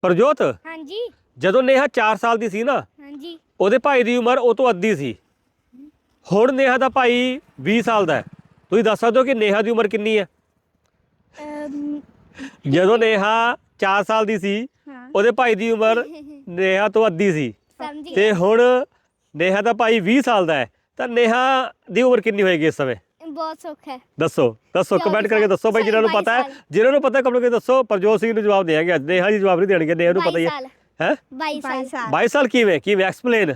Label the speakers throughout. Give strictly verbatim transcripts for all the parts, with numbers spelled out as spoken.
Speaker 1: ਪ੍ਰਜੋਤ
Speaker 2: ਹਾਂਜੀ
Speaker 1: ਜਦੋਂ ਨੇਹਾ ਚਾਰ ਸਾਲ ਦੀ ਸੀ ਨਾ
Speaker 2: ਹਾਂਜੀ
Speaker 1: ਉਹਦੇ ਭਾਈ ਦੀ ਉਮਰ ਉਹ ਤੋਂ ਅੱਧੀ ਸੀ। ਹੁਣ ਨੇਹਾ ਦਾ ਭਾਈ ਵੀਹ ਸਾਲ ਦਾ ਹੈ। ਤੁਸੀਂ ਦੱਸ ਸਕਦੇ ਹੋ ਕਿ ਨੇਹਾ ਦੀ ਉਮਰ ਕਿੰਨੀ ਹੈ?
Speaker 2: ਅਮ,
Speaker 1: ਜਦੋਂ ਨੇਹਾ ਚਾਰ ਸਾਲ ਦੀ ਸੀ
Speaker 2: ਹਾਂ
Speaker 1: ਉਹਦੇ ਭਾਈ ਦੀ ਉਮਰ ਨੇਹਾ ਤੋਂ ਅੱਧੀ ਸੀ
Speaker 2: ਸਮਝੀ
Speaker 1: ਤੇ ਹੁਣ ਨੇਹਾ ਦਾ ਭਾਈ ਵੀਹ ਸਾਲ ਦਾ ਹੈ ਤਾਂ ਨੇਹਾ ਦੀ ਉਮਰ ਕਿੰਨੀ ਹੋਏਗੀ ਇਸ ਸਮੇਂ?
Speaker 2: ਬਹੁਤ ਸੁੱਖ ਹੈ।
Speaker 1: ਦੱਸੋ ਦੱਸੋ
Speaker 2: ਚੌਵੀ
Speaker 1: ਕਮੈਂਟ ਕਰਕੇ
Speaker 2: ਸਾਲ,
Speaker 1: ਦੱਸੋ ਬਾਈ ਜਿਹਨਾਂ ਨੂੰ
Speaker 2: ਬਾਈ
Speaker 1: ਪਤਾ ਹੈ
Speaker 2: ਸਾਲ।
Speaker 1: ਜਿਹਨਾਂ ਨੂੰ ਪਤਾ ਕਮੈਂਟ ਕਰਕੇ ਦੱਸੋ। ਪ੍ਰਜੋਤ ਸਿੰਘ ਨੂੰ ਜਵਾਬ ਦੇਣਗੇ ਅੱਜ, ਨੇਹਾ ਜੀ ਜਵਾਬ ਨਹੀਂ ਦੇਣਗੇ, ਨੇਹਾ ਨੂੰ ਪਤਾ ਹੀ
Speaker 2: ਬਾਈ
Speaker 1: ਹੈ
Speaker 2: ਸਾਲ
Speaker 1: ਹੈ
Speaker 2: ਬਾਈ ਸਾਲ
Speaker 1: ਬਾਈ ਸਾਲ ਕਿਵੇਂ ਕਿਵੇਂ ਐਕਸਪਲੇਨ।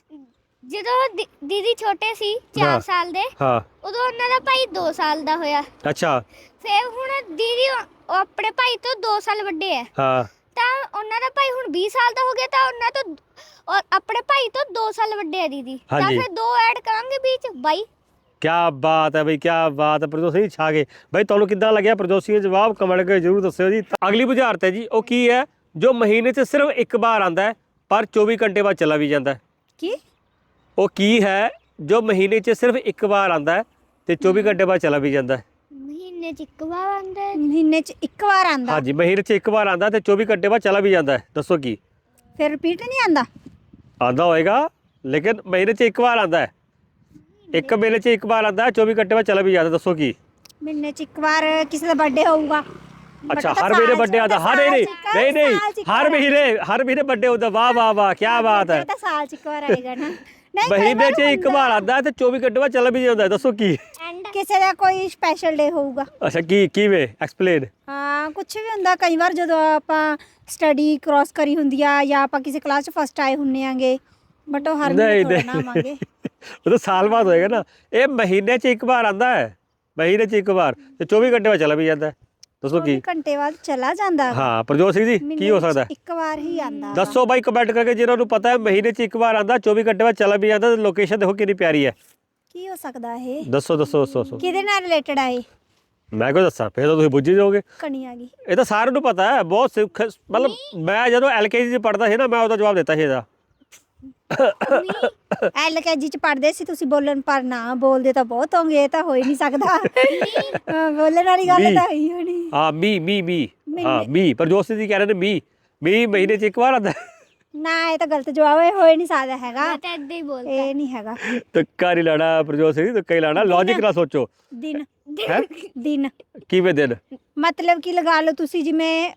Speaker 2: ਜਦੋਂ ਦੀ- ਦੀਦੀ ਛੋਟੇ ਸੀ
Speaker 1: ਹਾਂ।
Speaker 2: ਚਾਰ ਸਾਲ ਦੇ
Speaker 1: ਹਾਂ
Speaker 2: ਉਦੋਂ ਉਹਨਾਂ ਦਾ ਭਾਈ ਦੋ ਸਾਲ ਦਾ ਹੋਇਆ।
Speaker 1: ਅੱਛਾ
Speaker 2: ਫਿਰ ਹੁਣ ਦੀਦੀ ਉਹ ਉਹ ਆਪਣੇ ਭਾਈ ਤੋਂ ਦੋ ਸਾਲ ਵੱਡੇ ਹੈ
Speaker 1: ਹਾਂ
Speaker 2: ਤਾਂ ਉਹਨਾਂ ਦਾ ਭਾਈ ਹੁਣ ਵੀਹ ਸਾਲ ਦਾ ਹੋ ਗਿਆ ਤਾਂ ਉਹਨਾਂ ਤੋਂ ਔਰ ਆਪਣੇ ਭਾਈ ਤੋਂ ਦੋ ਸਾਲ ਵੱਡੇ ਹੈ ਦੀਦੀ ਤਾਂ
Speaker 1: ਹਾਂਜੀ।
Speaker 2: ਫਿਰ ਦੋ ਐਡ ਕਰਾਂਗੇ ਵਿੱਚ ਬਾਈ।
Speaker 1: ਕਿਆ ਬਾਤ ਹੈ ਬਈ, ਕਿਆ ਬਾਤ ਹੈ। ਪ੍ਰਜੋਤ ਸਿੰਘ ਛਾ ਗਏ ਬਈ। ਤੁਹਾਨੂੰ ਕਿੱਦਾਂ ਲੱਗਿਆ ਪ੍ਰਜੋਤ ਸਿੰਘ ਦਾ ਜਵਾਬ? ਕਮੈਂਟ ਕਰਕੇ ਜਰੂਰ ਦੱਸਿਓ ਜੀ। ਤਾਂ ਅਗਲੀ ਬੁਝਾਰਤ ਹੈ ਜੀ, ਉਹ ਕੀ ਹੈ? ਜੋ ਮਹੀਨੇ 'ਚ ਸਿਰਫ ਇੱਕ ਵਾਰ ਆਂਦਾ ਹੈ ਪਰ ਚੌਵੀ ਘੰਟੇ ਬਾਅਦ ਚਲਾ ਵੀ ਜਾਂਦਾ ਹੈ।
Speaker 3: ਕੀ
Speaker 1: ਉਹ ਕੀ ਹੈ ਜੋ ਮਹੀਨੇ 'ਚ ਸਿਰਫ ਇੱਕ ਵਾਰ ਆਂਦਾ ਹੈ ਤੇ ਚੌਵੀ ਘੰਟੇ ਬਾਅਦ ਚਲਾ ਵੀ ਜਾਂਦਾ ਹੈ?
Speaker 2: ਮਹੀਨੇ ਚ ਇੱਕ ਵਾਰ ਆਉਂਦਾ ਹੈ।
Speaker 3: ਮਹੀਨੇ ਚ ਇੱਕ ਵਾਰ ਆਂਦਾ
Speaker 1: ਹਾਂਜੀ, ਮਹੀਨੇ 'ਚ ਇੱਕ ਵਾਰ ਆਂਦਾ ਤੇ ਚੌਵੀ ਘੰਟੇ ਬਾਅਦ ਚਲਾ ਵੀ ਜਾਂਦਾ ਹੈ। ਦੱਸੋ ਕੀ
Speaker 3: ਫਿਰ ਰਿਪੀਟ ਨਹੀਂ ਆਂਦਾ?
Speaker 1: ਆਂਦਾ ਹੋਏਗਾ ਲੇਕਿਨ ਮਹੀਨੇ 'ਚ ਇੱਕ ਵਾਰ ਆਂਦਾ ਹੈ। ਇੱਕ ਮਹੀਨੇ 'ਚ ਇੱਕ ਵਾਰ ਆਂਦਾ, ਚੌਵੀ ਘੰਟੇ ਬਾਅਦ ਚਲਾ ਵੀ ਜਾਂਦਾ। ਦੱਸੋ ਕੀ?
Speaker 3: ਮਹੀਨੇ ਚ ਇੱਕ ਵਾਰ ਕਿਸੇ ਦਾ ਬਰਥਡੇ ਹੋਊਗਾ।
Speaker 1: ਅੱਛਾ, ਹਰ ਮਹੀਨੇ ਬਰਥਡੇ ਆਂਦਾ? ਹਰ ਨਹੀਂ ਨਹੀਂ ਨਹੀਂ ਹਰ ਮਹੀਨੇ ਹਰ ਮਹੀਨੇ ਬਰਥਡੇ ਹੁੰਦਾ। ਵਾਹ ਵਾਹ ਵਾਹ, ਕੀ ਬਾਤ ਹੈ।
Speaker 3: ਤਾਂ ਸਾਲ ਚ ਇੱਕ ਵਾਰ ਆਏਗਾ ਨਾ। ਨਹੀਂ
Speaker 1: ਮਹੀਨੇ 'ਚ ਇੱਕ ਵਾਰ ਆਂਦਾ ਤੇ ਚੌਵੀ ਘੰਟੇ ਬਾਅਦ ਚਲਾ ਵੀ ਜਾਂਦਾ। ਦੱਸੋ ਕੀ?
Speaker 2: ਐਂਡ
Speaker 3: ਕਿਸੇ ਦਾ ਕੋਈ ਸਪੈਸ਼ਲ ਡੇ ਹੋਊਗਾ।
Speaker 1: ਅੱਛਾ, ਕੀ ਕਿਵੇਂ ਐਕਸਪਲੇਨ?
Speaker 3: ਹਾਂ ਕੁਝ ਵੀ ਹੁੰਦਾ। ਕਈ ਵਾਰ ਜਦੋਂ ਆਪਾਂ ਸਟੱਡੀ ਕ੍ਰਾਸ ਕਰੀ ਹੁੰਦੀ ਆ ਜਾਂ ਆਪਾਂ ਕਿਸੇ ਕਲਾਸ ਚ ਫਸਟ ਆਏ ਹੁੰਨੇ ਆਂਗੇ, ਬਟ ਉਹ ਹਰ ਮਹੀਨੇ ਥੋੜਾ ਨਾ ਆਵਾਂਗੇ।
Speaker 1: ਉਹ ਤਾਂ ਸਾਲ ਬਾਅਦ ਹੋਏਗਾ ਨਾ। ਇਹ ਮਹੀਨੇ 'ਚ ਇੱਕ ਵਾਰ ਆਂਦਾ ਹੈ, ਮਹੀਨੇ 'ਚ ਇੱਕ ਵਾਰ ਤੇ ਚੌਵੀ ਘੰਟੇ ਬਾਅਦ ਚਲਾ ਵੀ ਜਾਂਦਾ। ਦੱਸੋ ਕੀ?
Speaker 3: ਚੌਵੀ ਘੰਟੇ ਬਾਅਦ ਚਲਾ ਜਾਂਦਾ ਵਾ।
Speaker 1: ਹਾਂ ਪ੍ਰਜੋਤ ਸਿੰਘ ਜੀ, ਕੀ ਹੋ ਸਕਦਾ?
Speaker 3: ਇੱਕ ਵਾਰ ਹੀ ਆਂਦਾ ਵਾ।
Speaker 1: ਦੱਸੋ ਬਾਈ ਕਮੈਂਟ ਕਰਕੇ ਜਿਹਨਾਂ ਨੂੰ ਪਤਾ ਹੈ ਮਹੀਨੇ 'ਚ ਇੱਕ ਵਾਰ ਆਂਦਾ, ਚੌਵੀ ਘੰਟੇ ਬਾਅਦ ਚਲਾ ਵੀ ਜਾਂਦਾ। ਲੋਕੇਸ਼ਨ ਦੇਖੋ ਕਿੰਨੀ ਪਿਆਰੀ ਹੈ।
Speaker 3: ਕੀ ਹੋ ਸਕਦਾ ਇਹ?
Speaker 1: ਦੱਸੋ ਦੱਸੋ ਦੱਸੋ ਦੱਸੋ।
Speaker 3: ਕਿਹਦੇ ਨਾਲ ਰਿਲੇਟਡ ਆ ਇਹ?
Speaker 1: ਮੈਂ ਕਿਉਂ ਦੱਸਾਂ? ਫਿਰ ਤਾਂ ਤੁਸੀਂ ਬੁੱਝ ਹੀ ਜਾਓਗੇ।
Speaker 3: ਕਣੀ ਆ ਗਈ।
Speaker 1: ਇਹ ਤਾਂ ਸਾਰਿਆਂ ਨੂੰ ਪਤਾ ਹੈ। ਬਹੁਤ ਸਿੱਖ ਮਤਲਬ ਮੈਂ ਜਦੋਂ ਐਲਕੇਜੀ 'ਚ ਪੜ੍ਹਦਾ ਸੀ ਨਾ, ਮੈਂ ਉਹਦਾ ਜਵਾਬ ਦਿੱਤਾ ਸੀ ਇਹਦਾ।
Speaker 3: ਐਲਕੇਜੀ ਚ ਪੜ੍ਹਦੇ ਸੀ ਤੁਸੀਂ ਬੋਲਣ, ਪਰ ਨਾ ਬੋਲਦੇ ਤਾਂ ਬਹੁਤ ਹੋਗੇ। ਇਹ ਤਾਂ ਹੋ ਹੀ ਨਹੀਂ ਸਕਦਾ। ਹਾਂ, ਬੋਲਣ ਵਾਲੀ ਗੱਲ ਤਾਂ ਹੋਈ ਹੋਣੀ।
Speaker 1: ਹਾਂ ਮੀ ਮੀ ਮੀ ਹਾਂ ਮੀ। ਪ੍ਰਜੋਤ ਸਿੰਘ ਜੀ ਕਹਿ ਰਹੇ ਨੇ ਮੀ ਮੀ ਮਹੀਨੇ 'ਚ ਇੱਕ ਵਾਰ ਆਂਦਾ।
Speaker 3: ਨਾ ਇਹ ਤਾਂ ਗਲਤ ਜਵਾਬ ਹੈ। ਹੋ ਹੀ ਨਹੀਂ ਸਕਦਾ ਹੈਗਾ।
Speaker 2: ਮੈਂ ਤਾਂ ਏਦਾਂ ਹੀ ਬੋਲਦਾ।
Speaker 3: ਇਹ ਨਹੀਂ ਹੈਗਾ।
Speaker 1: ਤੁੱਕਾ ਨਹੀਂ ਲਾਣਾ ਪ੍ਰਜੋਤ ਸਿੰਘ ਜੀ, ਤੁੱਕਾ ਹੀ ਲਾਣਾ। ਲੌਜੀਕ ਨਾਲ ਸੋਚੋ।
Speaker 3: ਦਿਨ
Speaker 1: ਹੈ
Speaker 3: ਦਿਨ
Speaker 1: ਕਿਵੇਂ ਦਿਨ?
Speaker 3: ਮਤਲਬ ਕਿ ਲਗਾ ਲਓ ਤੁਸੀਂ ਜਿਵੇਂ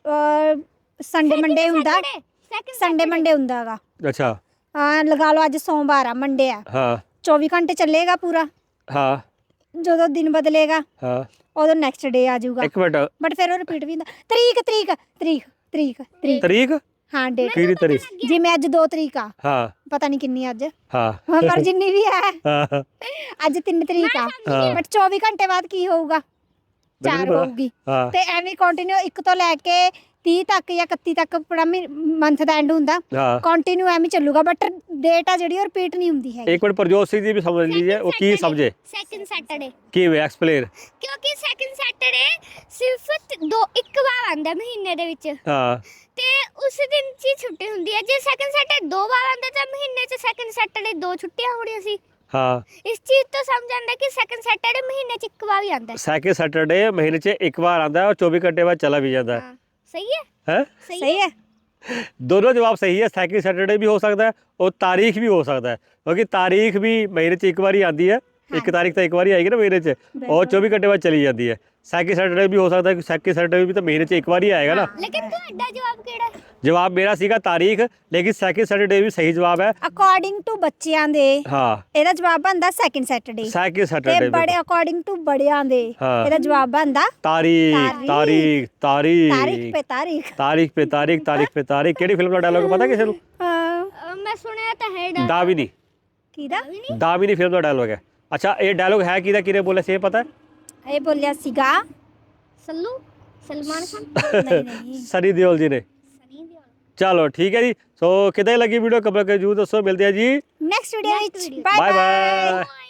Speaker 3: ਸੰਡੇ ਮੰਡੇ ਹੁੰਦਾ।
Speaker 2: ਸੈਕਿੰਡ
Speaker 3: ਸੰਡੇ ਮੰਡੇ ਹੁੰਦਾ ਹੈਗਾ।
Speaker 1: ਅੱਛਾ
Speaker 3: ਹਾਂ ਲਗਾ ਲਓ ਅੱਜ ਸੋਮਵਾਰ ਆ, ਮੰਡੇ ਆ,
Speaker 1: ਹਾਂ
Speaker 3: ਚੌਵੀ ਘੰਟੇ ਚੱਲੇਗਾ ਪੂਰਾ।
Speaker 1: ਹਾਂ
Speaker 3: ਜਦੋਂ ਦਿਨ ਬਦਲੇਗਾ
Speaker 1: ਹਾਂ
Speaker 3: ਉਦੋਂ ਨੈਕਸਟ ਡੇ ਆ ਜਾਊਗਾ।
Speaker 1: ਇੱਕ ਮਿੰਟ।
Speaker 3: ਬਟ ਫਿਰ ਉਹ ਰਿਪੀਟ ਵੀ ਹੁੰਦਾ। ਤਰੀਕ ਤਰੀਕ ਤਰੀਕ ਤਰੀਕ ਤਰੀਕ
Speaker 1: ਤਰੀਕ
Speaker 3: ਹਾਂ ਡੇਟ।
Speaker 1: ਕਿਹੜੀ ਤਰੀਕ?
Speaker 3: ਜਿਵੇਂ ਅੱਜ ਦੋ ਤਰੀਕ ਆ,
Speaker 1: ਹਾਂ
Speaker 3: ਪਤਾ ਨਹੀਂ ਕਿੰਨੀ ਅੱਜ,
Speaker 1: ਹਾਂ
Speaker 3: ਹਾਂ, ਪਰ ਜਿੰਨੀ ਵੀ ਹੈ
Speaker 1: ਹਾਂ
Speaker 3: ਅੱਜ ਤਿੰਨ ਤਰੀਕ ਆ।
Speaker 1: ਹਾਂ।
Speaker 3: ਬਟ ਚੌਵੀ ਘੰਟੇ ਬਾਅਦ ਕੀ ਹੋਊਗਾ? ਚਾਰ
Speaker 1: ਪਤਾ।
Speaker 3: ਹੋਊਗੀ।
Speaker 1: ਹਾਂ
Speaker 3: ਤੇ ਐਵੇਂ ਕੰਟੀਨਿਊ ਇੱਕ ਤੋਂ ਲੈ ਕੇ ਤੀਹ ਤੱਕ ਜਾਂ ਇਕੱਤੀ ਤੱਕ ਪੂਰਾ ਮੰਥ ਦਾ ਐਂਡ ਹੁੰਦਾ।
Speaker 1: ਹਾਂ।
Speaker 3: ਕੰਟੀਨਿਊ ਐਵੇਂ ਚੱਲੂਗਾ। ਬਟ ਡੇਟ ਆ ਜਿਹੜੀ ਉਹ ਰਿਪੀਟ ਨਹੀਂ ਹੁੰਦੀ ਹੈਗੀ।
Speaker 1: ਇੱਕ ਮਿੰਟ ਪ੍ਰਜੋਤ ਸਿੰਘ ਜੀ ਵੀ ਸਮਝ ਲੀजिए ਉਹ ਕੀ ਸਮਝੇ।
Speaker 2: ਸੈਕਿੰਡ ਸੈਟਰਡੇ
Speaker 1: ਕਿਵੇਂ ਐਕਸਪਲੇਨ?
Speaker 2: ਕਿਉਂਕਿ ਸੈਕਿੰਡ ਸੈਟਰਡੇ ਸਿਰਫ ਦੋ ਇੱਕ ਵਾਰ ਆਉਂਦਾ ਮਹੀਨੇ ਦੇ ਵਿੱਚ
Speaker 1: ਹਾਂ
Speaker 2: ਤੇ ਉਸ ਦਿਨ 'ਚ ਹੀ ਛੁੱਟੀ ਹੁੰਦੀ ਹੈ। ਜੇ ਸੈਕਿੰਡ ਸੈਟਰਡੇ ਦੋ ਵਾਰ ਆਉਂਦਾ ਤਾਂ ਮਹੀਨੇ 'ਚ ਸੈਕਿੰਡ ਸੈਟਰਡੇ ਦੋ ਛੁੱਟੀਆਂ ਹੋਣੀਆਂ ਸੀ।
Speaker 1: ਹਾਂ
Speaker 2: ਇਸ ਚੀਜ਼ ਤੋਂ ਸਮਝ ਆਉਂਦਾ ਕਿ ਸੈਕਿੰਡ ਸੈਟਰਡੇ ਮਹੀਨੇ 'ਚ ਇੱਕ ਵਾਰ ਹੀ ਆਉਂਦਾ ਹੈ।
Speaker 1: ਸੈਕਿੰਡ ਸੈਟਰਡੇ ਮਹੀਨੇ 'ਚ ਇੱਕ ਵਾਰ ਆਂਦਾ ਔਰ ਚੌਵੀ ਘੰਟੇ ਬਾਅਦ ਚਲਾ ਵੀ ਜਾਂਦਾ
Speaker 2: ਹਾਂ ਸਹੀ ਹੈ
Speaker 1: ਹੈ।
Speaker 3: ਸਹੀ ਹੈ।
Speaker 1: दोनों जवाब सही है। सैकिंड सैटरडे भी हो सकता है और तारीख भी हो सकता है, क्योंकि तारीख भी महीने च एक बार ही आती है। एक तारीख तो एक बार ही आएगी ना महीने च और चौबीस घंटे बाद चली जाती है। सैकिंड सैटरडे भी हो सकता है, सैकिंड सैटरडे भी तो महीने च एक बार ही आएगा ना।
Speaker 2: ਲੇਕਿਨ ਤੁਹਾਡਾ ਜਵਾਬ ਕਿਹੜਾ ਹੈ?
Speaker 1: जवाब मेरा सीगा तारीख, लेकिन सैकिंड सैटरडे भी सही जवाब है।
Speaker 3: ਅਕੋਰਡਿੰਗ ਟੂ ਬੱਚਿਆਂ ਦੇ
Speaker 1: हाँ
Speaker 3: ਇਹਦਾ ਜਵਾਬ ਬਣਦਾ ਸੈਕਿੰਡ ਸੈਟਰਡੇ।
Speaker 1: सैकिंड
Speaker 3: ਤੇ
Speaker 1: सैटरडे
Speaker 3: ਬੜੇ ਅਕੋਰਡਿੰਗ ਟੂ ਬੜਿਆਂ ਦੇ
Speaker 1: ਹਾਂ।
Speaker 3: ਇਹਦਾ ਜਵਾਬ ਬਣਦਾ
Speaker 1: तारीख तारीख तारीख
Speaker 3: ਤਾਰੀਖ पे ਤਾਰੀਖ।
Speaker 1: तारीख पे तारीख तारीख पे तारीख। केड़ी फिल्म का डायलॉग पता किसी को?
Speaker 3: ਹਾਂ
Speaker 2: ਅਹ ਮੈਂ ਸੁਣਿਆ ਤਾਂ ਹੈ ਡਾ
Speaker 1: दाविनी
Speaker 3: ਕਿਹਦਾ?
Speaker 1: दाविनी फिल्म का डायलॉग है। अच्छा ये डायलॉग है किदा किने बोले से पता है?
Speaker 3: ਇਹ ਬੋਲਿਆ ਸੀਗਾ
Speaker 2: ਸੱਲੂ ਸਲਮਾਨ ਖਾਨ
Speaker 3: ਨਹੀਂ ਨਹੀਂ
Speaker 1: सनी देओल जी ने।
Speaker 2: ਸਨੀ ਦਿਓਲ।
Speaker 1: चलो ठीक है जी। सो कितने लगी वीडियो कमेंट करके जरूर दसो। मिलते हैं जी
Speaker 3: ਨੈਕਸਟ ਵੀਡੀਓ ਵਿੱਚ
Speaker 2: video।
Speaker 3: Bye
Speaker 1: bye
Speaker 3: bye.
Speaker 1: Bye.